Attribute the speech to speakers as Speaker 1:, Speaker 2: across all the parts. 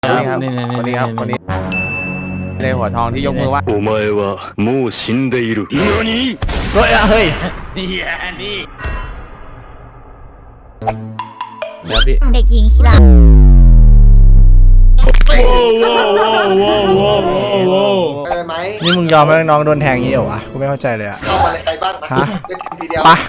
Speaker 1: ครับคนนี้ครับคนนี้เลยหัวทองที่ยกมือว่า
Speaker 2: お前はもう死んでいる。何？
Speaker 3: เฮ้ย
Speaker 1: นี่นี่
Speaker 3: เดี๋ยวพี่
Speaker 4: เด็กหญิงชิรา
Speaker 5: ไหม
Speaker 3: นี่มึงยอมให้น้องโดนแทงงี้เหรอวะกูไม่เข้าใจเลยอะ
Speaker 5: เข้ามาเลยใครบ้าง
Speaker 3: ฮะ
Speaker 5: เล่นทีเดียว
Speaker 3: ปะ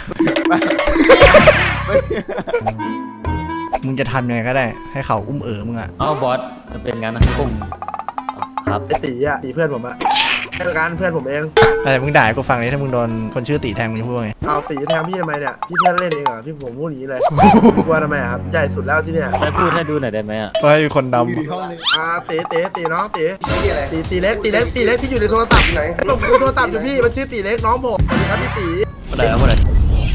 Speaker 3: มึงจะทำยังไงก็ได้ให้เขาอุ้มมึงอะ
Speaker 1: เอ้าบอสจะเป็นงั้นนะผมครับ
Speaker 5: ไอตีอ่ะตีเพื่อนผมอ่ะเพื่อนกันเพื่อนผมเอง
Speaker 3: อะไรมึงด่าให้กูฟังเลยถ้ามึงโดนคนชื่อตีแทงมึงจะพูดว่าไง
Speaker 5: เอาตีแทนพี่ทำไมเนี่ยพี่เพื่อนเล่นเองเหรอพี่ผมพูดอย่างนี้เลยกลัวทำไมครับใหญ่สุดแล้วที่เนี่ย
Speaker 1: ไปพูดให้ดูหน่อยได้ไหมอ่ะ
Speaker 3: ก็ให้คนด
Speaker 5: ตีน้องตีตีเล็กที่อยู่ในโทรศัพท์อยู่ไหนผมดูโทรศัพท์อยู่พี่มันชื่อตีเล็กน้องผมสวัสดีครับพี่ตี
Speaker 1: อะไรครับอะไร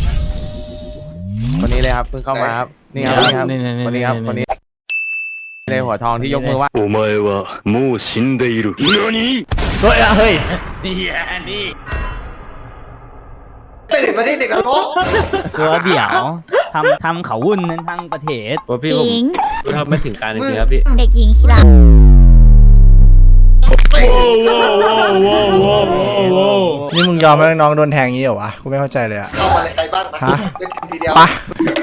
Speaker 1: คนนี้เลยครับเพิ่งเข้ามาครับนี่ครับคนนี้ครับคนนี้เลยหัวทองที่ยกมือว่า
Speaker 2: お前はもう死んでいる。何？
Speaker 3: ำเฮ้ย
Speaker 1: นี่นี่
Speaker 5: ตื่นมาที่เด็กกระโปง
Speaker 6: ตัวเดี่ยวทำเขาวุ่นนั้นทั้งประเทศ
Speaker 1: ว่าพี่
Speaker 4: ห
Speaker 1: ผม
Speaker 4: ญิง
Speaker 1: ทำไม่ถึงการจริงๆครับพี่
Speaker 4: เด็กหญิงชิรา
Speaker 3: นี่มึงยอมให้น้องโดนแทงงี้เหรอวะกูไม่เข้าใจเลยอะ
Speaker 5: เข้ามาเลยใครบ้าง
Speaker 3: ฮะ
Speaker 5: เล่นทีเดียว
Speaker 3: ปะ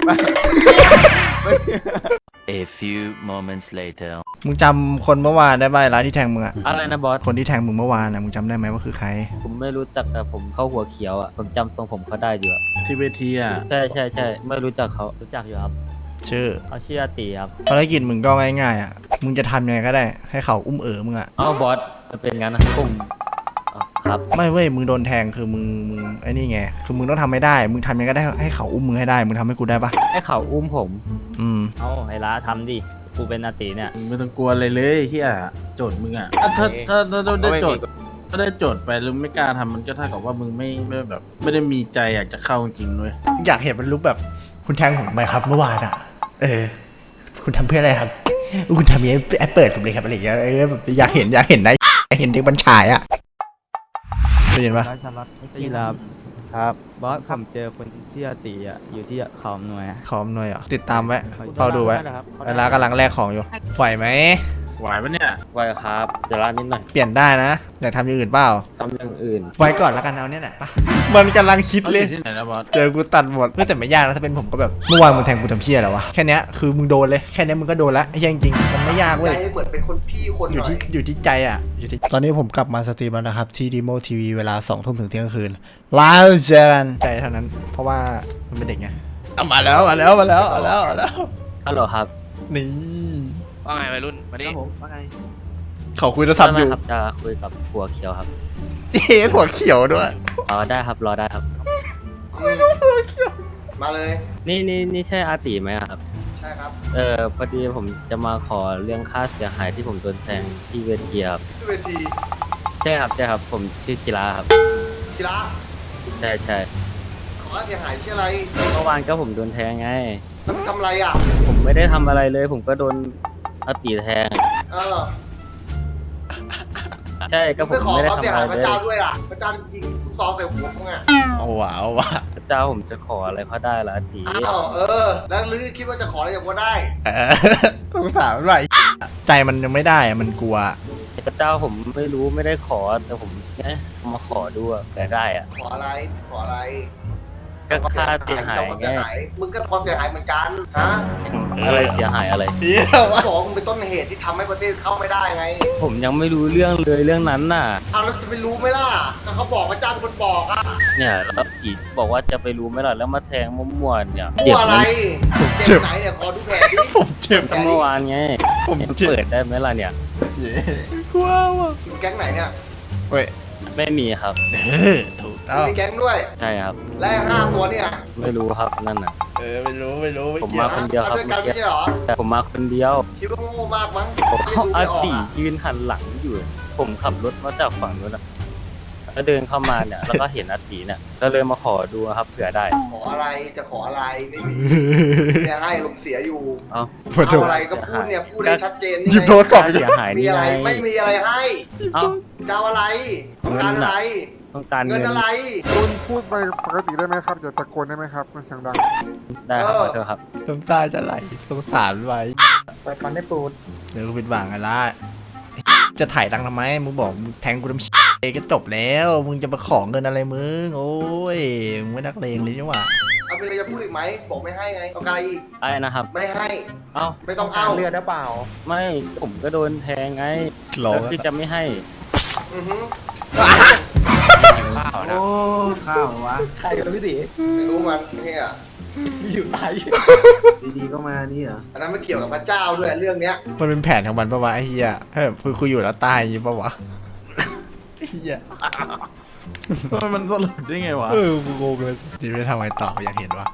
Speaker 7: A few moments later.
Speaker 3: มึงจำคนเมื่อวานได้ไหมร้านที่แทงมึงอะ
Speaker 1: อะไรนะบอส
Speaker 3: คนที่แทงมึงเมื่อวานนะมึงจำได้ไหมว่าคือใคร
Speaker 1: ผมไม่รู้จักแต่ผมเข้าหัวเขียวอ่ะผมจำทรงผมเขาได้อยู่อ่ะ
Speaker 6: ที่เวทีอ่ะ
Speaker 1: ใช่ไม่รู้จักเขารู้จักอยู่ครับ
Speaker 3: ชื่อ
Speaker 1: เขาชื่ออาตีครับ
Speaker 3: ภารกิจมึงก็ง่ายๆอะมึงจะทำยังไงก็ได้ให้เขาอุ้มมึงอะ
Speaker 1: เอ้าบอสจะเป็นงั้นนะผมครับ
Speaker 3: ไม่เว้ยมึงโดนแทงคือมึงไอ้นี่ไงคือมึงต้องทำไม่ได้มึงทำยังไงก็ได้ให้เขาอุ้มมึงให้ได้มึงทำให้กูได้ปะ
Speaker 1: ให้เขาอุ้มผม
Speaker 3: อืม
Speaker 6: เอาไอ้ละทำดิกูเป็นอาติเนี่ย
Speaker 8: ไม่ต้องกลัวอะไรเลยเฮียโจทย์มึงอ่ะถ้าได้โจทย์ถ้าได้โจทย์ไปแล้วไม่กล้าทำมันก็เท่ากับว่ามึงไม่แบบ ไม่ได้มีใจอยากจะเข้าจริงๆเลย
Speaker 3: อยากเห็นมันลุกแบบคุณแทงผมไหมครับเมื่อวานอะคุณทำเพื่ออะไรครับคุณทำอย่างนี้แอปเปิดผมเลยครับอะไรอย่างเงี้ยแบบอยากเห็นนะอยากเห็นเด็กบัญชายอะได้ยินปะ
Speaker 6: พี่ครับบอสผมเจอคนที่อาติอ่ะอยู่ที่เขาหน่วย
Speaker 3: ขอมหน่อยอ่ะติดตามไว้เฝ้าดูไว้เวลากำลังแลกของอยู่ไหวไหม
Speaker 8: ไหวปะเนี่ย
Speaker 1: ไว้ครับจะร้านนิดหน่อย
Speaker 3: เปลี่ยนได้นะอยากทำอย่างอื่นเปล่า
Speaker 1: ทำอย่างอื่น
Speaker 3: ไว้ก่อนแล้วกันเอาเนี่ยแหละปะมันกำลังคิด
Speaker 8: เขาอ
Speaker 3: เลย
Speaker 8: ยู่ที่ไหนนะบอส
Speaker 3: เจอกูตัดหมดแต่ไม่ยากนะถ้าเป็นผมก็แบบเมื่อวานมึงแทงกูทำเพี้ยอะไรวะแค่เนี้ยคือมึงโดนเลยแค่เนี้ยมึงก็โดนแล้วไอ้เหี้ยจริงๆมันไม่ยาก
Speaker 5: ใจ
Speaker 3: เว้ย
Speaker 5: เหมือนเป็นคนพี่คนห
Speaker 3: อยู่
Speaker 5: น่อย
Speaker 3: ที่ใจอ่ะอยู่ที่ตอนนี้ผมกลับมาสตรีมแล้วนะครับที่ดีโมทีวีเวลา2 ทุ่มถึงเที่ยงคืนไลฟ์เจอกันใจเท่านั้นเพราะว่ามันเป็นเด็กไงเอามาแล้ว
Speaker 1: ฮัลโหลครับ
Speaker 3: นี่
Speaker 9: ว่าไงวัยรุ่นมาดิ
Speaker 3: เขาคุยโทรศัพท์อยู่
Speaker 1: ครับจะคุยกับหัวเขียวครับ
Speaker 3: เจ๊หัวเขียวด้วย
Speaker 1: รอได้ครับรอได้ครับ
Speaker 5: มาเลย
Speaker 1: นี่ใช่อาตีไหมครับ
Speaker 5: ใช่ครับ
Speaker 1: พอดีผมจะมาขอเรื่องค่าเสียหายที่ผมโดนแทงที่เวทีครับ
Speaker 5: ที่เวที
Speaker 1: ใช่ครับผมชื่อกีฬาครับ
Speaker 5: กีฬา
Speaker 1: ใช่
Speaker 5: ขอเสียหายชื่ออะไร
Speaker 1: เมื่อวานก็ผมโดนแทงไง
Speaker 5: แล้วทำอะไรอ่ะ
Speaker 1: ผมไม่ได้ทำอะไรเลย ผมก็โดนอาตีแทง
Speaker 5: เออ
Speaker 1: ใช่ก็ผม
Speaker 5: ไม่ขอ
Speaker 1: ไม่ได้
Speaker 5: เขา
Speaker 1: ทำ
Speaker 5: เสีย
Speaker 1: อะไร
Speaker 5: หายพ
Speaker 1: เล
Speaker 5: ระ
Speaker 1: ย
Speaker 5: เจ้าด้วยล่ะพระเจ้ายิงลูกซองใส่หัวมึงอ่ะ
Speaker 3: เอาว่ะ
Speaker 1: พระเจ้าผมจะขออะไรเขาได้ละอาตี
Speaker 5: อ้าวแล้วลือคิดว่าจะขออะไรจากกูได้
Speaker 3: สงสารมันว่ะใจมันยังไม่ได้อะมันกลัว
Speaker 1: พระเจ้าผมไม่รู้ไม่ได้ขอแต่ผมเนี่ยมาขอดูอะแต่ได้อะ
Speaker 5: ขออะไร
Speaker 1: ก็ค่าเสียหายไง
Speaker 5: มึงก็พอเสียหายเหมือนกันฮะ
Speaker 1: อะไรเสียหายอะไร
Speaker 3: เดี๋ยว
Speaker 5: เขา
Speaker 3: วะ
Speaker 5: บอกว่ามึงเป็นต้นเหตุที่ทำให้ประเทศเข้าไม่ได้ไง
Speaker 1: ผมยังไม่รู้เรื่องเลยเรื่องนั้นน่ะ
Speaker 5: เอาแล้วจะไปรู้ไหมล่ะก็เขาบอกพระเจ้าเป็นคนบอกอ่ะ
Speaker 1: เนี่ยแล้วอีกบอกว่าจะไปรู้ไหมล่ะแล้วมาแทงมั่วๆเนี่ย
Speaker 5: กลัวอะไร
Speaker 3: เจ็บ
Speaker 5: ไหนเนี่ยขอดูแผลดิ
Speaker 3: ผมเจ็บ
Speaker 1: ตั้งเมื่อวานไง
Speaker 3: ผมเจ็บ
Speaker 1: เปิดได้ไหมล่ะเนี่ย
Speaker 3: กลัวว่ะ
Speaker 5: แก๊งไหนเนี่ย
Speaker 3: เว้ย
Speaker 1: ไม่มีครับ
Speaker 3: ถูกต้อง
Speaker 5: มีแก๊งด้วย
Speaker 1: ใช่ครับ
Speaker 5: และ5 ตัวเนี่ย
Speaker 1: ไม่รู้ครับนั่นน่ะ
Speaker 3: ไม่รู้ไม่
Speaker 1: ผม
Speaker 3: เกี่ย
Speaker 1: มาว คนเดียวครับ
Speaker 5: ด้วยกัน
Speaker 1: เมื่อกี้
Speaker 5: ไม่ใช่เหรอ
Speaker 1: แต่ผมมาคนเดียว
Speaker 5: คิดว่าโง่มากมั้ง
Speaker 1: ผมเขา
Speaker 5: ไม่
Speaker 1: อา
Speaker 5: ดูไม่ออก
Speaker 1: ตี
Speaker 5: อะ
Speaker 1: ยืนหันหลังอยู่ ผมขับรถมาจากฝั่งนู้นอะแล้วเดินเข้ามาเนี่ย แล้วก็เห็นอาตีเนี่ยก็เลยมาขอดูครับเผื่อได้
Speaker 5: ขออะไรจะขออะไรไม่มีเนี่ยให้ลมเสียอยู่
Speaker 1: เอ้า
Speaker 5: เอาอะไรก็พูดเนี่ยพูดให้ชัดเจน
Speaker 3: หยิบโทรศัพท์
Speaker 1: เสียหาย
Speaker 5: มี
Speaker 1: นี่
Speaker 5: อะไร
Speaker 1: ไง
Speaker 5: ไม่มีอะไรให้
Speaker 1: เอ้า
Speaker 5: จะเอาอะไรต้องการอะไร
Speaker 1: ต้องการ
Speaker 5: เงิ
Speaker 1: เงิ
Speaker 5: น
Speaker 1: น
Speaker 5: อะไร
Speaker 4: คุณพูดไปปกติได้ไหมครับอย่าตะโกนได้ไหมครับมันเสียงดัง
Speaker 1: ได้ครับขอโทษครับ
Speaker 3: น้ำตาจะไหลสงสารไว้
Speaker 5: ไปฟันได้ปูด
Speaker 3: เดี๋ยวกูเป็นหวังอะไรจะถ่ายตังค์ทำไมมึงบอกมึงแทงกูทำก็จบแล้วมึงจะมาขอเงินอะไรมึงโอ้ยมึงไม่นักเลงเลยนี่หว่า
Speaker 5: เอาไปเลยจะพูดอีกไหมบอกไม่ให้ไงเอาอะไรอีก
Speaker 1: ไอ้นะครับ
Speaker 5: ไม่ให้
Speaker 1: เอ้า
Speaker 5: ไม่ต้องเอา
Speaker 4: เลือดได้เปล่า
Speaker 1: ไม่ผมก็โดนแทงไง
Speaker 3: หลอก
Speaker 1: แล้วที่จะไม่ให้
Speaker 5: อือฮึ
Speaker 9: ข้าวนะ
Speaker 8: โอ้ข้าววะ
Speaker 4: ใครกับพี่ตี
Speaker 5: ไม่รู้มันเนี่ย
Speaker 4: อยู่ไหน
Speaker 8: ดีๆก็มานี่เหรอ
Speaker 5: อันนั้นไม่เกี่ยวกับพระเจ้าด้วยเรื่องเนี้ย
Speaker 3: มันเป็นแผนของมันปะวะไอ้เหี้ยให้แบบคุยอยู่แล้วตายอย่างงี้ปะวะไอ้เหี้ย
Speaker 8: มันสลดได้ไงวะ
Speaker 3: กูงงเลยดีไม่ได้ทำอะไรต่ออยากเห็นวะ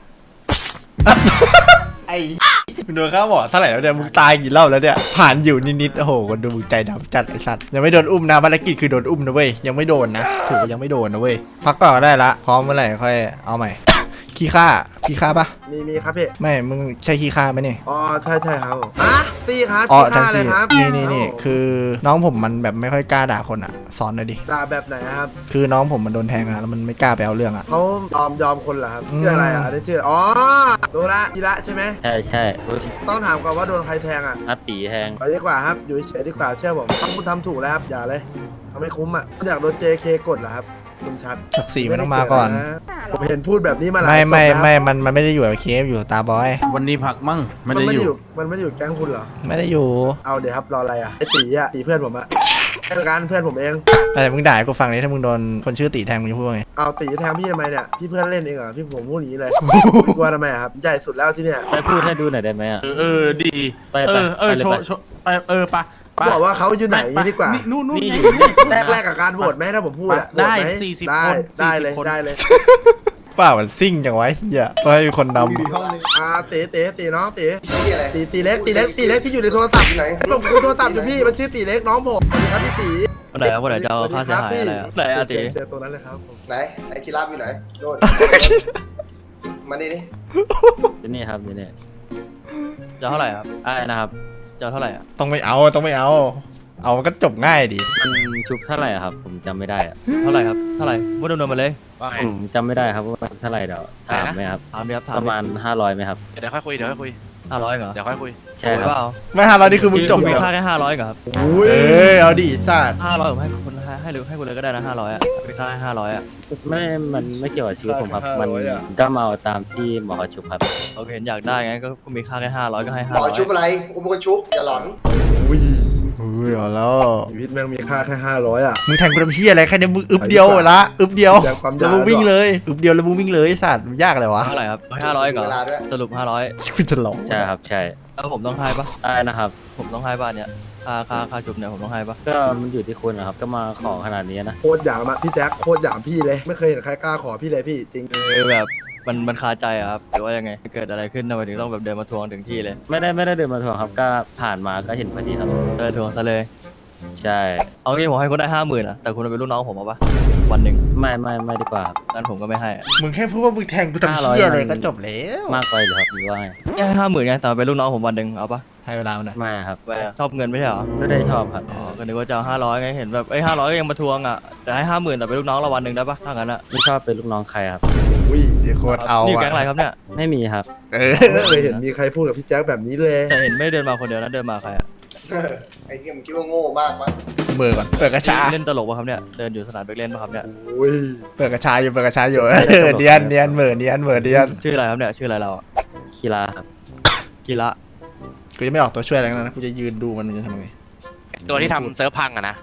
Speaker 3: ไอ้มึงโดนข้าวหมอเท่าไหร่แล้วเนี่ยมึงตายกี่รอบแล้วเนี่ยผ่านอยู่นิดๆโอ้โหคนดูมึงใจดำจัดไอ้สัตว์ยังไม่โดนอุ้มนะภารกิจคือโดนอุ้มนะเว้ยยังไม่โดนนะถือว่ายังไม่โดนนะเว้ยพักก่อนก็ได้ละพร้อมเมื่อไหร่ค่อยเอาใหม่ ขี้ข้าปะ
Speaker 5: มีครับพี่
Speaker 3: ไม่มึงใช่ขี้ข้าไหมเนี่ย
Speaker 5: อ๋อใช่ครับอ่ะตีครับ
Speaker 3: อ๋อ
Speaker 5: ขี้
Speaker 3: ทั้ง
Speaker 5: ข้าเล
Speaker 3: สี่
Speaker 5: ยครับ
Speaker 3: นี่คือน้องผมมันแบบไม่ค่อยกล้าด่าคนอ่ะสอนหน่อยดิ
Speaker 5: ด่าแบบไหนครับ
Speaker 3: คือน้องผมมันโดนแทงอ่ะแล้วมันไม่กล้าไปเอาเรื่องอ่ะ
Speaker 5: เขายอมคนเหรอครับ
Speaker 3: อืม
Speaker 5: ชื่ออะไรอ่ะอันนี้ชื่ออ๋อโดระกีระใช่ไหม
Speaker 1: ใช่ใช่อุ๊ย
Speaker 5: ต้องถามก่อนว่าโดนใครแทงอ่ะ
Speaker 1: อาตีแทง
Speaker 5: ไปดีกว่าครับอยู่เฉยๆดีกว่าเชื่อผมต้องทำถูกแล้วครับอย่าเลยทำไม่คุ้มอ่ะอยากโดน JK กดเหรอครับคุณชัด
Speaker 3: ศักดิ์ศรีมันต้องมาก่อน
Speaker 5: ผมเห็นพูดแบบนี้มาหลาย
Speaker 3: ไม่
Speaker 5: ศพแล้ว
Speaker 3: มันไม่ได้อยู่กับเคฟอยู่ตาบอย
Speaker 8: วันนี้พักมั่งไม่
Speaker 5: มัน
Speaker 8: ได้
Speaker 5: ไม่
Speaker 8: อ
Speaker 5: ได้
Speaker 8: ยู่
Speaker 5: อยู่มันไม่ได้อยู่แก๊งคุณเหรอ
Speaker 3: ไม่ได้อยู่
Speaker 5: เอาเดี๋ยวครับรออะไรอ่ะไอตีอ่ะตีเพื่อนผมอ่ะแค่การเพื่อนผมเอง
Speaker 3: แต่มึงด่าให้กูฟังนี้ถ้ามึงโดนคนชื่อตีแทงมึงจะพูดว่าไง
Speaker 5: เอาตีแทงพี่ทำไมเนี่ยพี่เพื่อนเล่นเองเหรอพี่ผมพูดอย่างนี้เลย กลัวทำไมอะครับใหญ่สุดแล้วที่เนี่ย
Speaker 1: ไปพูดให้ดูหน่อยได้ไหมอ่ะ
Speaker 8: ดี
Speaker 1: ไป
Speaker 8: เออ
Speaker 1: ไปเลย
Speaker 8: โช
Speaker 1: ไป
Speaker 8: ว์โชว์ไปไป
Speaker 5: บอกว่าเขาอยู่ไหนดีกว่า
Speaker 8: นู่น
Speaker 1: นี่
Speaker 5: แรกกับการโหวตไหมถ้าผมพูดอะ
Speaker 8: ได้
Speaker 5: โหวตหม
Speaker 8: 40
Speaker 5: ได้
Speaker 8: คน
Speaker 5: ได้เลย
Speaker 8: 40คน
Speaker 5: ได้เลย
Speaker 3: เปล่ามันซิ่งจังวะเฮียต้องให้คนน
Speaker 5: ตีน้องตีเล็กที่อยู่ในโทรศัพท์อยู่ไหนผมคุยโทรศัพท์อยู่พี่มันชื่อตีเล็กน้องผมสวัสดีครับพี่ตี
Speaker 6: คนไหนครับคนไหนจะเอาค่าเสียหายอะไรอะไหนอาติ
Speaker 5: เจอตัวนั้นเลยครับผม
Speaker 10: ไหนไอ้คีราบอยู่ไหนโดน มานี่นี่
Speaker 1: ที่นี่ครับที่นี่
Speaker 6: จะเอาเท่าไหร่ครับ
Speaker 1: ไอ้นะครับ
Speaker 6: จะเอาเท่าไหร่อ่ะ
Speaker 3: ต้องไม่เอาเอามันก็จบง่ายดิ
Speaker 1: มันชุบเท่าไหร่อะครับ ผมจำไม่ได้อะ
Speaker 6: เท่าไหร่ครับเท่าไหร่พูดดำเนินมาเลย
Speaker 9: ว่าไง
Speaker 1: ผมจำไม่ได้ครับว่ามันเท่าไหร่เดี๋ยวถามไหมครับ
Speaker 6: ถามดิครับถาม
Speaker 1: ประมาณ500ไหมครับ
Speaker 9: เดี๋ยวค่อยคุยเดี๋ยวค่อยคุย
Speaker 6: 500เหรอ
Speaker 9: เดี๋ยวค่อยคุย
Speaker 1: ใช่ครับ
Speaker 6: เปล่า
Speaker 3: ไม่ห้าร้อยนี่คือมึงจบ
Speaker 6: มี
Speaker 3: เหรอ
Speaker 6: ค่าแค่500เหรอครับ
Speaker 3: เออเอาดิสัตว์
Speaker 6: 500ผมให้คุณให้เลยให้คุณเลยก็ได้นะ500อ่ะมีค่าให้500อ่ะ
Speaker 1: มันไม่เกี่ยวกับชีวิตผมครับ มันก็มาเอาตามที่หมอเขาชุบครับ
Speaker 6: โอเคเห็นอยากได้ไงก็มีค่าแค่500ก็ให้
Speaker 10: หมอชุบ
Speaker 6: 500
Speaker 10: อะไรกูเป็นคนชุบอย่าหลอน
Speaker 3: อุ้ยเอาแล้ว
Speaker 5: ชีวิตแม่งมีค่าแค่500อ่ะ
Speaker 3: มึงแทงกูทำเฮียอะไรแค่นี้มึงอึบเดียวละอึบเดียว
Speaker 5: แรงความยาว
Speaker 3: แล้วมึงวิ่งเลยอึบเดียวแล้วมึงวิ่งเลยสัตว์มันยากเลยวะ
Speaker 6: เท่าไหร่ครับ500เหรอ
Speaker 10: เวลาด้วย
Speaker 6: สรุป500
Speaker 3: คุณจะหลอก
Speaker 1: ใช่ครับ ใช่
Speaker 6: แล้วผมต้องให้ปะ
Speaker 1: ได้นะครับ
Speaker 6: ผมต้องให้บ้านเนี่ยค่าจุบเนี่ยผมต้องให้ปะ
Speaker 1: ก็มันอยู่ที่คุณนะครับ ก็มาขอขนาดนี้นะ
Speaker 5: โคตรหยามอะพี่แจ๊คโคตรหยามพี่เลยไม่เคยเห็นใครกล้าขอพี่เลยพี่จริง
Speaker 6: แบบมันคาใจอะครับหรือว่ายังไงเกิดอะไรขึ้นทำไมถึงต้องแบบเดินมาทวงถึงที่เลย
Speaker 1: ไม่ได้เดินมาทวงครับ ก็ผ่านมาก็เห็นพอดีครับ
Speaker 6: ทวงซะเลย
Speaker 1: ใช่
Speaker 6: เอางี้ผมให้คุณได้50,000อะแต่คุณเป็นลูกน้องผมเอาปะวันหนึ่ง
Speaker 1: ไม่ดีกว่าครับ
Speaker 6: งั้นผมก็ไม่ให้อะ
Speaker 3: มึงแค่พูดว่ามึงแทงกูทำเชี่ยเลยก็จบแล้ว
Speaker 1: มากไปเหรอครับหรือว่าไง
Speaker 6: แค่50,000ไงแต่เป็นลูกน้องผมวันหนึ่งเอาปะ
Speaker 3: ให้เวลามันหน่อย
Speaker 1: ไม่ครับ
Speaker 6: ไม่อะชอบเงินไม่ใช่เหรอ
Speaker 1: ไม่ได้ชอบครับ
Speaker 6: อ๋อก็นึกว่าจะเอา500ไงเห็นแบบ500ก็ยังมาทวงอะแต่ให้50,000แต่เป็นลูกน้องเราวันหนึ่งได้ปะถ้างั้นอะ
Speaker 1: ไม่ชอบเป็นลูกน้องใครครับ
Speaker 3: อุ้ยเดี๋ยวโคตรเอา
Speaker 6: นี่อยู่
Speaker 3: อะ
Speaker 6: แก๊งอะไรครับเนี่ย
Speaker 1: ไม่มีครับ
Speaker 3: เออ
Speaker 5: ไม่เคยเห็นมีใครพูดกับพี่แจ๊คแบบนี้เลย
Speaker 6: แต่เห็นไม่เดินมาคนเดียวนะเดินมาใครอะ
Speaker 10: ไอ้เหี้ยมึงคิดว่าโง่มากมั้ย
Speaker 3: มือก่อนเปิดกระชา
Speaker 6: เล่นตลกปะครับเนี่ยเดินอยู่สนามเด็กเล่นปะครับเนี่ย
Speaker 5: อุ้ย
Speaker 3: เปิดกระชาอยู่เออเนียนเหมือนเนียน
Speaker 6: ชื่ออะไรครับเนี่ยชื่ออะไรเราอะ
Speaker 1: คีราครับ
Speaker 6: กีระ
Speaker 3: กูจะไม่ออกตัวช่วยอะไรทั้งนั้นนะกูจะยืนดูมันจะทำยังไง
Speaker 9: ตัวที่ทำเซิร์ฟพังอะนะ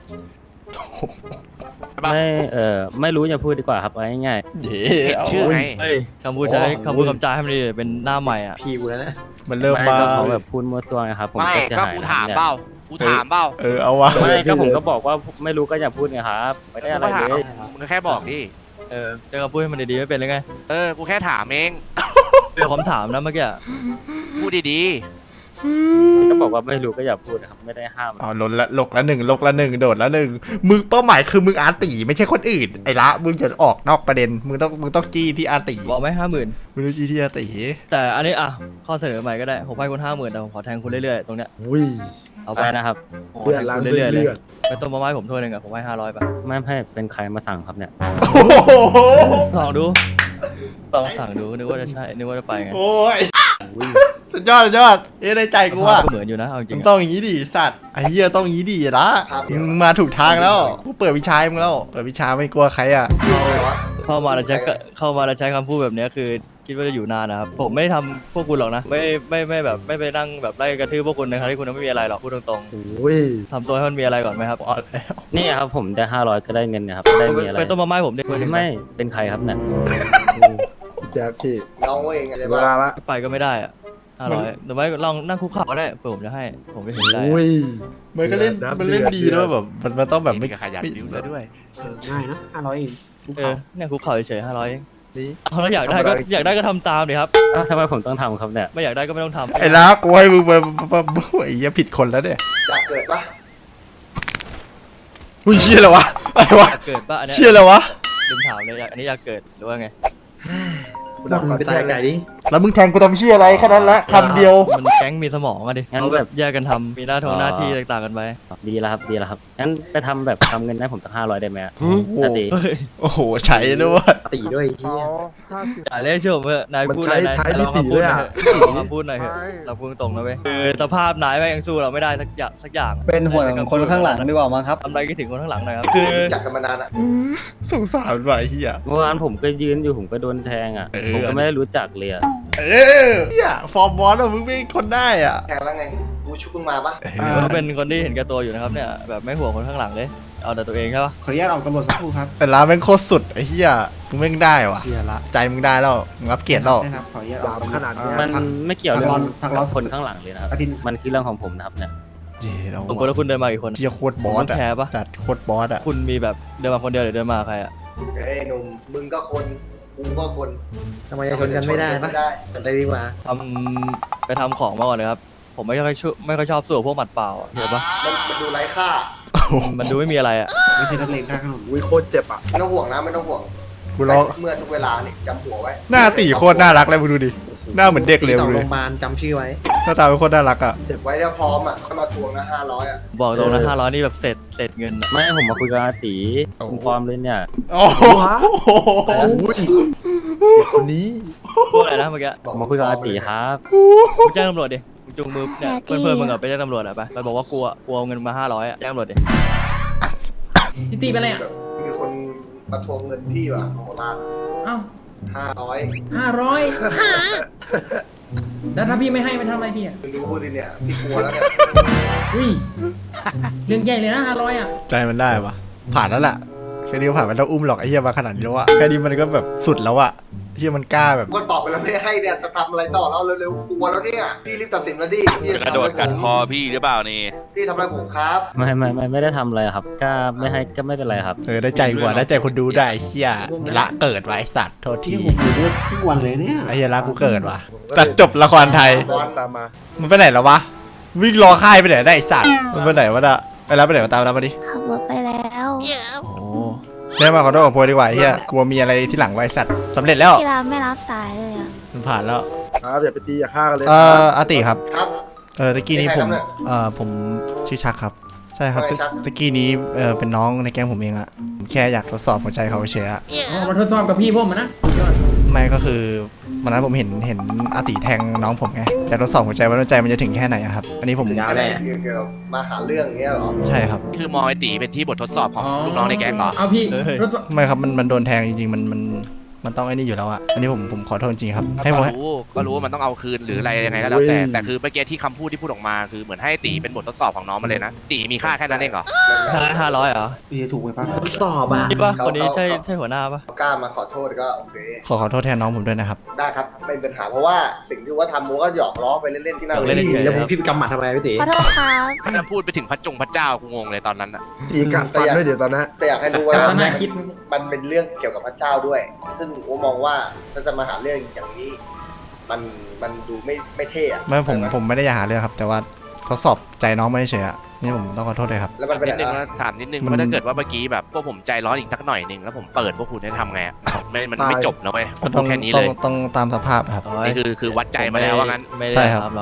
Speaker 9: ปะ
Speaker 1: ไม่รู้อย่าพูดดีกว่าครับเอาง่าย
Speaker 3: เย้
Speaker 9: เห็นชื่อไง
Speaker 6: เฮ้ยคำพูดใช้คำพูดคำจาให้มันดีเป็นหน้าใหม่อะ
Speaker 4: พี่กูแล้วนะ
Speaker 3: มัน
Speaker 1: ๆ
Speaker 3: เริ่ม
Speaker 1: ไม่
Speaker 3: มา
Speaker 1: ก็เขาแบบพูดมั่วตัวไงครับผม
Speaker 9: ไม่
Speaker 1: ก็จะ
Speaker 9: ก็
Speaker 1: หาย
Speaker 9: กู
Speaker 1: นะ
Speaker 9: ถาม
Speaker 1: เนี่ย
Speaker 9: เปล่ากูถามเปล่า
Speaker 3: เอาวะ
Speaker 1: ไม่ก็ผมก็บอกว่าไม่รู้ก็อย่าพูดไงครับไม่ได้
Speaker 9: กู
Speaker 1: อะไร
Speaker 9: ก็ถาม
Speaker 1: เลย
Speaker 9: มึงก็แค่บอกดิ
Speaker 6: เจอคำพูดให้มันดีๆไม่เป็นเลยไง
Speaker 9: กูแค่ถามเอง
Speaker 6: เป็นคำถามนะเมื่อกี้อะ
Speaker 9: พูดดี
Speaker 1: ก็บอกว่าไม่รู้ก็อย่าพูดนะครับไม่ได้ห้าม
Speaker 3: อ๋อลกละหนึ่งโดดละหนึ่งมึงเป้าหมายคือมึงอาร์ตีไม่ใช่คนอื่นไอ้ละมึงจะออกนอกประเด็นมึงต้องจี้ที่อาร์ตี
Speaker 6: บอกไหม50,000
Speaker 3: มึงต้องจี้ที่อาร์ตี
Speaker 6: แต่อันนี้อ่ะข้อเสนอใหม่ก็ได้ผมให้คุณ50,000แต่ผมขอแทงคุณเรื่อยๆตรงเนี้ย
Speaker 5: อุ้ย
Speaker 6: เอา
Speaker 1: ไปนะครับ
Speaker 6: ผมขอ
Speaker 5: เลือ
Speaker 6: แท
Speaker 5: ด
Speaker 6: ง
Speaker 5: ล้าง
Speaker 6: คุณ
Speaker 5: ด้วย
Speaker 6: เรื่อยๆเลย
Speaker 5: เลือด
Speaker 6: ไปต้มมาม่าให้ผมถ้วยหนึ่งอะผมให้500ป่ะ
Speaker 1: ไม่เป็นใครมาสั่งครับเนี่ย
Speaker 3: โอ้โห
Speaker 6: ลองดูลองสั่งดูนึกว่าจะใช่นึกว่าจะไปไง
Speaker 3: โอ้ยสุดยอดสุดยอดในใจกูว่า
Speaker 6: ก็เหมือนอยู่นะเอาจริ
Speaker 3: มึ
Speaker 6: ง
Speaker 3: ง
Speaker 6: ๆ
Speaker 3: ต้อ
Speaker 6: อะ
Speaker 3: งอย่างนี้ดิสัตว์ไอ้เหี้ยต้องอย่างนี้ดิละมึงมาถูกทางแล้วกูเปิดวิชาให้มึงแล้วเปิดวิชาไม่กลัวใครอ่ะ
Speaker 6: เข้ามาแล้วใช้คำพูดแบบเนี้ยคือคิดว่าจะอยู่นานนะครับผมไม่ทำพวกคุณหรอกนะไม่แบบไม่ไปนั่งแบบไล่กระทืบพวกคุณนะครับที่คุณไม่มีอะไรหรอกพูดตรง
Speaker 5: โอ้ย
Speaker 6: ๆทำตัวให้มันมีอะไรก่อนไหมครับ
Speaker 1: นี่ครับผมได้500ก็ได้เงินนะครับได้มีอะไร
Speaker 6: ไปต้มมาม่าให้ผมดิ
Speaker 1: ไม่เป็นใครครับเนี่ย
Speaker 5: แจ๊คพี่
Speaker 10: น้องเองอะไร
Speaker 5: เว
Speaker 10: บ้า
Speaker 5: ลาง ละ
Speaker 6: ไปก็ไม่ได้อะ500แต่ไม่ลองนั่งคุกเข่าก็ได้เผื่อผมจะให้ผมจะเห็นใจ
Speaker 5: โอ้ย
Speaker 3: มันก็เล่น
Speaker 5: เดือดนะ
Speaker 3: มันเล่นดี
Speaker 5: เดือด
Speaker 3: แล้วแบบมันต้องแบบไม่
Speaker 9: ขยันดิ้วซะด้วย
Speaker 10: ง่ายนะ500เอง
Speaker 6: เนี่ยคุกเข่าเฉยๆ500เอง
Speaker 5: นี่
Speaker 6: เอาแล้วอยากได้ก็ทำตามดิครับ
Speaker 1: อ้าวทำไมผมต้องทำครับเนี่ย
Speaker 6: ไม่อยากได้ก็ไม่ต้องทำ
Speaker 3: ไอ้ละกูให้มึงมาไอ้เหี้ยผิดคนแล้วเนี่ย
Speaker 10: อยากเกิดปะ
Speaker 3: อุ้ยเชี่ยอะไรวะอะไรวะ
Speaker 6: อยากเกิดป่ะอันเนี้ย
Speaker 3: เชี่ยอะไรวะ
Speaker 6: ลืมถามเลยอันนี้อยากเกิดหรือว่าไง
Speaker 5: กูดักมาตายไก่ดิ
Speaker 3: แล้วมึงแทงกูทำเชี่ยอะไรแค่นั้นละคำเดียว
Speaker 6: มันแก๊งมีสมองอะดิเขาแบบแยกกันทำมีหน้าที่ต่างๆกันไป
Speaker 1: ดีแล้วครับดีแล้วครับงั้นไปทำแบบทำเงินให้ผมตั้ง500ได้ไหมอะ
Speaker 3: โอ้โห
Speaker 1: นาตี
Speaker 6: เฮ้ย
Speaker 3: โอ้โหใช้ด้วย
Speaker 10: ตีด้วย
Speaker 4: เขา50
Speaker 6: อย่าเรียกชื่อผมเถอะนาย
Speaker 5: มัน
Speaker 6: พูด
Speaker 5: ใช้
Speaker 6: อะไรนาย
Speaker 5: ใช้
Speaker 6: ล
Speaker 5: พิ
Speaker 6: อง
Speaker 5: ติ
Speaker 6: มาพู
Speaker 5: ด้
Speaker 6: ด
Speaker 5: วย
Speaker 6: หน่อย
Speaker 5: อ่ะ
Speaker 6: เถอะลองมาพูดหน่อยเถอะเราพูดตรงนะเว้ยคือสภาพนายแม่งยังสู้เราไม่ได้สักอย่าง
Speaker 11: เป็นห่วงคนข้างหลังดีกว่ามั้งครับ
Speaker 6: ทำอะไรคิดถึงคนข้างหลังหน่อยครับคือ
Speaker 10: จากกันมานานอ่ะ
Speaker 3: สงสารว่ะไอ้เหี้ย
Speaker 1: เมื่อวานผมก็ยืนอยู่ผมก็โดนแทงอ่ะ
Speaker 3: เออ
Speaker 1: ผมก็ไม่ได้รู้จักเลยอะ
Speaker 3: เหี้ยฟอร์มบอสอะมึงไม่คนได้อ่ะ
Speaker 10: แทงแล้วไงกูชุบมึงมาปะ
Speaker 6: ก็เป็นคนที่เห็นแก่ตัวอยู่นะครับเนี่ยแบบไม่ห่วงคนข้างหลังเลยเอาแต่ตัวเองใช่ปะ
Speaker 10: ขออนุญาตออกตำรวจสักครู่ครับ
Speaker 3: แต่ร้านแม่งโคตรสุดไอ้เหี้ยมึงแม่งได้ว่ะ
Speaker 10: เชียร์ละ
Speaker 3: ใจมึงได้แล้วมึงรับเกียรติแล้ว
Speaker 10: ครับขออนุญาต
Speaker 5: หยามขนาดเนี้ย
Speaker 1: มันไม่เกี่ยวเรื่อง
Speaker 10: พักร้อน
Speaker 1: คนข้างหลังเลยนะครับ
Speaker 10: อาทิตย์
Speaker 1: มันคือเรื่องของผมนะครับเนี่ย
Speaker 3: เย้เรา
Speaker 6: สมมติว่าคุณเดินมากี่คน
Speaker 3: เหี้ยโคตรบอส
Speaker 6: ผมต้องแคร์ปะ
Speaker 3: จัดโคตรบอสอ่ะ
Speaker 6: คุณมีแบบเดินมาคนเดียวหรือเดินมากับใครอะ
Speaker 10: เฮ้ยหนุ่มมึงก็คนกูก็คน
Speaker 11: ทำไมจะชนกันไม่ได้ปะ อะไรดีกว่า
Speaker 6: ไปทำของมาก่อนเลยครับผมไม่ค่อยชอบสู้กับพวกหมัดเปล่าอะเห็นปะ
Speaker 10: มันดูไร้ค่า
Speaker 6: มันดูไม่มีอะไรอะ
Speaker 10: ไม่ใช่นักเลงข้างถนน
Speaker 5: อุ้ยโคตรเจ็บอ่ะ
Speaker 10: ไม่ต้องห่วงนะไม่ต้องห่วง
Speaker 3: กูร้อง
Speaker 10: เมื่อทุกเวลานี่จำหัวไว้
Speaker 3: หน้าตีโคตรน่ารักเลยมึงดูดิหน้าเหมือนเด็กเลยมึงดูดิ
Speaker 11: จำชื่อไว้
Speaker 3: หน้าตาเป็นโคตรน่ารักอ่ะ
Speaker 10: เจ็บไว้แล้วพร้อมอ่ะค่อยมาทวงนะ500อ่ะ
Speaker 6: บอกตรงนะ500นี่แบบเสร็จเงินอะ
Speaker 1: ไม่ผมมาคุยกับอาตี
Speaker 3: โอ้
Speaker 1: คุณฟอร์มเลยเนี่ย
Speaker 3: โอ้โห
Speaker 5: อุ้ยคนนี้
Speaker 6: พูดอะไรนะเมื่อกี้
Speaker 1: ผมมาคุยกับอาตีครับ
Speaker 6: มึงแจ้งตำรวจดิมึงจุงมือเนี่ยเพื่อนๆมึงอะไปแจ้งตำรวจอะไปบอกว่ากลัวเอาเงินมา500อะแจ้งตำรวจดิ
Speaker 11: พี่ตีไปเลยอ่ะ
Speaker 10: แบบมีคนมาทวงเงินพี่ว่ะโหราช
Speaker 11: เอ้า
Speaker 10: 500
Speaker 11: 500 แล้วถ้าพี่ไม่ให้มันทำอะไรพี่อ่ะ
Speaker 10: มึงดูพูดดิเนี่ยพี่กลัวแล้วเนี่ย
Speaker 11: อุ้ย เรื่องใหญ่เลยนะ500อ่ะ
Speaker 3: ใจมันได้ปะผ่านแล้วล่ะแค่นี้ก็ผ่านมันต้องอุ้มหรอกไอ้เหี้ยมาขนาดนี้แล้วอะแค่นี้มันก็แบบสุดแล้วอะเหี้ยมันกล้าแบบ
Speaker 10: กูก็ตอบไปแล้วไม่ให้เนี่ยจะทำอะไรต่อแล้วเร็วๆกลัวแล้วเนี่ยพี่รีบตัดสินแล้วดิพี่
Speaker 9: จะกระโดดกัดคอพี่หรือเปล่านี่
Speaker 10: พี่ทำอะไรผมครับ
Speaker 1: ไม่ได้ทำอะไรครับก็ไม่ให้ก็ไม่เป็นไรครับ
Speaker 3: ได้ใจกว่าได้ใจคนดูได้ไอ้เหี้ยละเกิดไว้สัตว์โทษที
Speaker 10: ครึ่งวันเลยเนี่ย
Speaker 3: ไอ้เหี้ยละกูเกิดว่ะตัดจบละครไทย
Speaker 5: บอลตามมา
Speaker 3: มันไปไหนแล้ววะวิ่งรอค่ายไปไหนได้ไอ้สัตว์มันไปไหนวะน่ะไปแล้วไปไหนวะตามแล้วมาดิ
Speaker 12: ขับรถไปแล้ว
Speaker 3: โอ้ได้มาขอโทษกับโพยดีกว่าไอ้เหี้ยกลัวมีอะไรที่หลังไว้สัตว์สำเร็จแล้ว
Speaker 12: ที่ร้านไม่รับสายเลยอ่ะ
Speaker 3: มันผ่านแล้ว
Speaker 5: ครับอย่าไปตีอย่าฆ่ากันเลย
Speaker 3: อาติครับ
Speaker 10: ครับ
Speaker 3: ตะกี้นี้ผม
Speaker 10: เป็นใครครับเนี่ย
Speaker 3: ผมชื่อชักครับใช่ครับ
Speaker 10: ว่าไงชัก
Speaker 3: ตะกี้นี้เป็นน้องในแก๊งผมเองอะผมแค่อยากทดสอบหัวใจเขาเฉยอะ
Speaker 11: อ๋อมาทดสอบกับพี่ผมอะนะสุดยอด
Speaker 3: ไม่ก็คือวันนั้นผมเห็นอาติแทงน้องผมไงจะทดสอบหัวใจว่าหัวใจมันจะถึงแค่ไหนอะครับอันนี้ผม
Speaker 10: อะไรเกี่ยวกับมาหาเรื่องอย่างเงี้ยเหรอ
Speaker 3: ใช่ครับ
Speaker 9: คือมองไอ้ตีเป็นที่บททดสอบของลูกน้องในแก๊งเหรอ
Speaker 11: เอาพี่ทดสอบ
Speaker 3: ไม่ครับมันโดนแทงจริงๆมันต้องไอ้นี่อยู่แล้วอะอันนี้ผมขอโทษจริงๆครับให้ผม
Speaker 9: ก็รู้ว่ามันต้องเอาคืนหรืออะไรยังไงก็แล้วแต่คือเมื่อกี้ที่คำพูดที่พูดออกมาคือเหมือนให้ตีเป็นบททดสอบของน้องมาเลยนะตีมีค่าแค่นั้นเองเหรอ
Speaker 6: 500เหรอ
Speaker 10: พี่ถูกไหมป้า
Speaker 11: สอบอ่ะ
Speaker 6: คิดว่าคนนี้ใช่หัวหน้าปะ
Speaker 10: กล้ามาขอโทษก็โอเค
Speaker 3: ขอโทษแทนน้องผมด้วยนะครับ
Speaker 10: ได้ครับไม่เป็นปัญหาเพราะว่าสิ่งที่ว่าทำมูก็หยอกล้อไปเล่นๆที่หน้า
Speaker 6: เล่นเฉยๆ
Speaker 10: แล้ว
Speaker 6: ครับ
Speaker 10: พี่กำหมัดทำไมพี่ตี
Speaker 12: ขอโทษครับ
Speaker 9: ถ้าพูดไปถึงพระเจ้ากูงงเลยตอนนั้นอะ
Speaker 5: ตีกัดฟันด้วยเดี๋ยวตอนนั้น
Speaker 10: แต่อยากให้รู้ว่า
Speaker 11: แต่ขนาดคิด
Speaker 10: มันเป็นเรื่องเกี่ยวกับพระเจ้าด้วย ซึ่งผมมองว่าถ้าจะมาหาเรื่องอย่างนี้ มันดูไม่เท่อะ
Speaker 3: ไม่ผมไม่ได้อยากหาเรื่องครับ แต่ว่าทดสอบใจน้องไม่เฉยอะนี่ผมต้องขอโทษเลยครับ
Speaker 10: แล้วมันเป็น
Speaker 9: นิดนึง
Speaker 10: อะไร
Speaker 9: นะถามนิดนึง
Speaker 3: มัน
Speaker 9: ว่าถ้าเกิดว่าเมื่อกี้แบบพวกผมใจร้อนอีกสักหน่อยหนึงแล้วผมเปิดพวกคุณให้ทำไงอะมันไม่จบนะเว้ยผมพูดแค่นี้เลย
Speaker 3: ต้องตามสภาพครับ
Speaker 9: นี่คือวัดใจมาแล้วว่างั้น
Speaker 6: ไม่
Speaker 3: ใช่
Speaker 6: ได้
Speaker 3: ครับ
Speaker 6: ถามหรอกครับ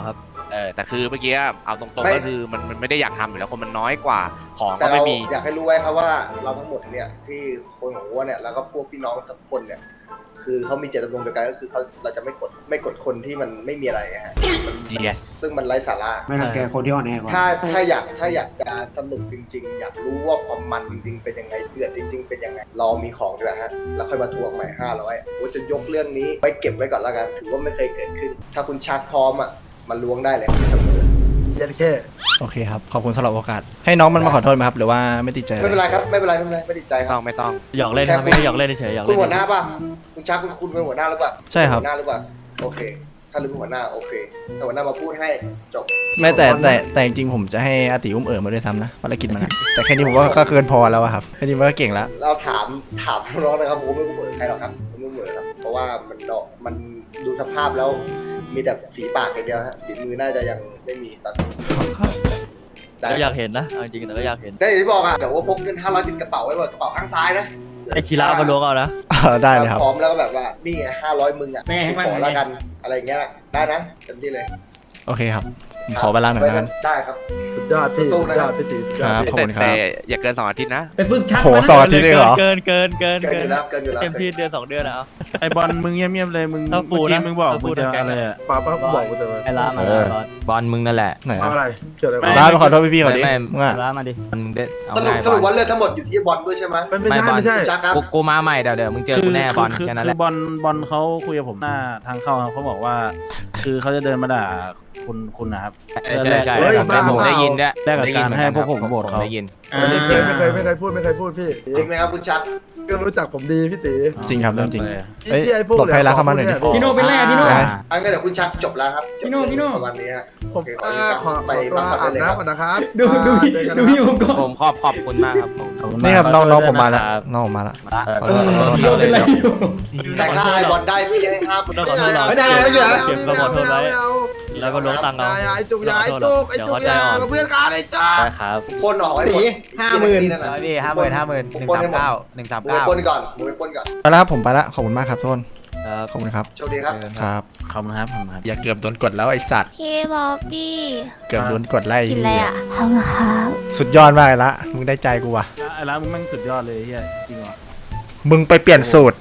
Speaker 9: แต่คือเมื่อกี้เอาตรง
Speaker 10: ไม่
Speaker 9: ๆก็คือมันไม่ได้อยากทำอยู่แล้วคนมันน้อยกว่าของ
Speaker 10: แต่
Speaker 9: ก็
Speaker 10: เรา
Speaker 9: ไม่มี
Speaker 10: อยากให้รู้ไว้ครับว่าเราทั้งหมดเนี่ยที่คนของวัวเนี่ยแล้วก็พวกพี่น้องทุกคนเนี่ยคือเขามีเจตจำนงเดียวกันก็คือเราจะไม่กดคนที่มันไม่มีอะไรฮะ
Speaker 9: yes
Speaker 10: ซึ่งมันไร้สาระ
Speaker 11: ไม่รังแกคนที่อ่อนแอกว่า
Speaker 10: ถ้าอยากจะสนุกจริง ๆ อยากรู้ว่าความมันจริงๆเป็นยังไงเดือดจริง ๆ เป็นยังไงรอมีของดีกว่าฮะแล้วค่อยมาทวงใหม่500ว่าจะยกเรื่องนี้ไว้เก็บไว้ก่อนแล้วกันถือว่าไม่เคยเกิดขึ้น ถ้าคุณชักพร้อมอ่ะมันล้วงได้เลยเสมอ
Speaker 5: ยันแค่
Speaker 3: โอเคครับ ขอบคุณสำหรับโอกาส ให้น้องมันมาขอโทษไหมครับ หรือว่าไม่ติดใจ
Speaker 10: ไม่เป็นไรครับไม่เป็นไรไม่ติดใจค
Speaker 9: ต้
Speaker 10: รั
Speaker 9: อบ งไม่ต้อง
Speaker 6: หยอกเล่นครับไม่ได้หยอกเล่นเฉยๆหยอก
Speaker 10: คุ
Speaker 6: เล่
Speaker 10: ณ
Speaker 6: น
Speaker 10: หัวหน้าป่ะคุณชักคุณเป็นหัวหน้าหรือเปล่า
Speaker 3: ใช่ครับ
Speaker 10: หัวหน้าหรือเปล่าโอเค ถ้าลืมหัวหน้าโอเคถ้าหัวหน้ามาพูดให้จบ
Speaker 3: ไม่แต่จริงๆผมจะให้อาติอุ้มมาด้วยซ้ำนะภารกิจมันอะแต่แค่นี้ผมว่าก็เกินพอแล้วอะครับแค่นี้มันก็เก่งแล้ว
Speaker 10: เราถามน้องนะครับผมไม่รู้เหมือนใครหรอกครับผมไม่เหมือนครับเพราะว่ามันดูสภาพแล้วมีแต่ฝีปากอย่างเดียวฮะฝีมือน่าจะยังไม่มีตอนนี้ได้
Speaker 6: ก็อยากเห็นนะเอาจริงๆแต่ก็อยากเห็น
Speaker 10: ได้อย่างที่บอกอ่ะเดี๋ยวว่าพกเงิน500ติดกระเป๋าไว้ก่อนกระเป๋าข้างซ้ายนะ
Speaker 6: ไอ้คีรามาล้วงเอานะ
Speaker 3: ได้เลยครับ
Speaker 10: พร้อมแล้วก็แบบว่านี่ไง500มึงอ่ะ
Speaker 11: เป็นไงให้มัน
Speaker 10: ขอแล้วกันอะไรอย่างเงี้ยได้นะเต็มที่เลย
Speaker 3: โอเคครับผมขอเวลาหน่อยนะกัน
Speaker 10: ได้ครับ
Speaker 5: สุดยอดพี่
Speaker 10: สู้
Speaker 5: สุด
Speaker 10: นะ
Speaker 5: ย
Speaker 10: ค
Speaker 5: อ
Speaker 10: รั
Speaker 5: ด
Speaker 10: บ
Speaker 5: พี่ตีสุดย
Speaker 3: ค
Speaker 5: อด
Speaker 3: รับ
Speaker 5: พี่
Speaker 3: ขอบคุณค
Speaker 9: แต่
Speaker 3: รับ
Speaker 9: อย่าเกิน2 อาทิตย์นะ
Speaker 11: ไปฝึกชัก
Speaker 3: โห
Speaker 11: มานะ
Speaker 3: สองอาทิตย์เลยเหรอ
Speaker 6: เกิน
Speaker 10: เกินอยู่แล้วเกินอยู่แล้ว
Speaker 6: เต็มที่เดือน2 เดือนอะเอา
Speaker 8: ไอบอลมึงเงียบๆเลยมึง
Speaker 6: ถ้าฟู
Speaker 8: เมื่อกี้
Speaker 6: นะ
Speaker 8: มึงบอก
Speaker 6: ถ้าฟู
Speaker 8: มึงจะ
Speaker 6: ทั้งแก๊ง
Speaker 8: อะไรอะ
Speaker 5: ป้าบอกกูจะมา
Speaker 1: ไอ้ล้ามาบอลมึงนั่นแหละ
Speaker 3: ไหน
Speaker 5: เอา
Speaker 3: อะ
Speaker 5: อะไรเกี่ยวอะไร
Speaker 8: ไม่
Speaker 3: ร้านไปขอโทษพี่ๆเขาดิ
Speaker 1: ไม่
Speaker 3: มึงอะ
Speaker 1: ล้ามาดิมึงได้เอา
Speaker 10: สรุปว่าเรื่องทั้งหมดอยู่ที่บอลด้วยใช่ไหม
Speaker 5: ไม่ใช่ไม่ใช่
Speaker 10: ชักครับ
Speaker 1: กูมาใหม่เดี๋ยวมึงเจอกูแน่บอลแค่นั้นแห
Speaker 8: คื
Speaker 1: ละ
Speaker 8: อบอลเขาคุยกับผมหน้าทางเข้าครับเขาบอกว่า คือเขาจะเดินมาด่าคุณนะครับ
Speaker 1: ใช่
Speaker 5: เฮ้ยบ้า
Speaker 1: ผมได้ยินด้วย
Speaker 8: แลกกับการให้พวกผมโหวตเขา
Speaker 1: ได้ยิน
Speaker 5: ไม่เคยพูดพี่
Speaker 10: จริงไหมครับคุณชัก
Speaker 5: ก็รู้จักผมดีพี่ตี
Speaker 3: จริงครับเรื่องจริง
Speaker 5: ไอ้
Speaker 3: เอ้ย
Speaker 5: ที่ไอ้พวก
Speaker 3: หลบให้รักเข้ามาหน่อยดิ
Speaker 11: พี่โน่เป็นไรอะพี่โน่
Speaker 3: ใช่
Speaker 10: อันนี้เดี๋ยวคุณชักจบแล้วครับ
Speaker 11: พี่โน่
Speaker 10: ประมาณนี้ฮะ
Speaker 5: ผม
Speaker 10: โอเค
Speaker 5: ขอ
Speaker 10: ไป
Speaker 5: ตัว
Speaker 10: พักผ่อน
Speaker 5: อาบ
Speaker 10: ได้เลยครับ
Speaker 5: น้ำก่อนนะครับ
Speaker 11: ดูพี่ผมก่อน
Speaker 1: ผมขอบคุณมากครับผม
Speaker 8: ขอบคุณ
Speaker 3: นี่
Speaker 8: มาก
Speaker 3: ครับน้องผมมาแล้วน้องผมมาแล้ว ขอโทษขอโทษ
Speaker 11: พี่โน่เป็นไรอยู่
Speaker 10: แต่ค่าไอบอลได้พี่ให้ห้า
Speaker 6: ต้องขอโทษเรา
Speaker 5: ไม่ได้ไม่เหลือ
Speaker 6: เก็บมาขอโทษไว้แล้วก็ล้วงตังค์เอา
Speaker 5: ไอ้จุกยาไอ้จุกไอ้จุกยาเราเพื่อนกันไอ้จุก
Speaker 1: ได้ครับ
Speaker 10: ปนออกไอ้หมด
Speaker 1: 50,000
Speaker 10: นั่นน่ะ
Speaker 1: พี่50,000
Speaker 10: ปนให้หมดมึงไปปนก่อนมึงไปปนก่อน
Speaker 3: ไปแล้วครับผมไปแล้วขอบคุณมากครับทุกคน
Speaker 6: ครับ
Speaker 3: ขอบคุณครับ
Speaker 10: โชคดีครับ
Speaker 3: ครับ
Speaker 8: ขอบคุณครับขอบคุณครับ
Speaker 3: อย่าเกือบโดนกดแล้วไอสัตว์
Speaker 12: พี่บอบบี้
Speaker 3: เกือบโดนกดไล่
Speaker 12: กินอะไรอ่ะขอบคุณครับ
Speaker 3: สุดยอดมากเลยละมึงได้ใจกูว่ะ
Speaker 8: ไอ้ร้านมึงแม่งสุดยอดเลยเฮียจริงเหรอ
Speaker 3: มึงไปเปลี่ยนสูตร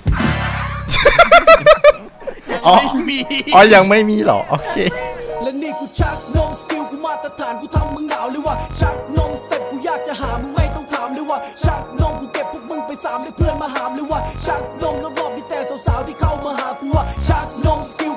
Speaker 3: อ๋ออ๋อยังไม่มีเหรอโอเค
Speaker 13: และนี่กูชักนมสกิลกูมาตรฐานกูทำมึงหนาวเลยว่าชักนมสเต็ปกูอยากจะหามึงไม่ต้องถามเลยว่าชักนมกูเก็บพวกมึงไป3เลยเพื่อนมาหามเลยว่าชักนมรอบๆมีแต่สาวๆที่เข้ามาหากูว่าชักนมสกิล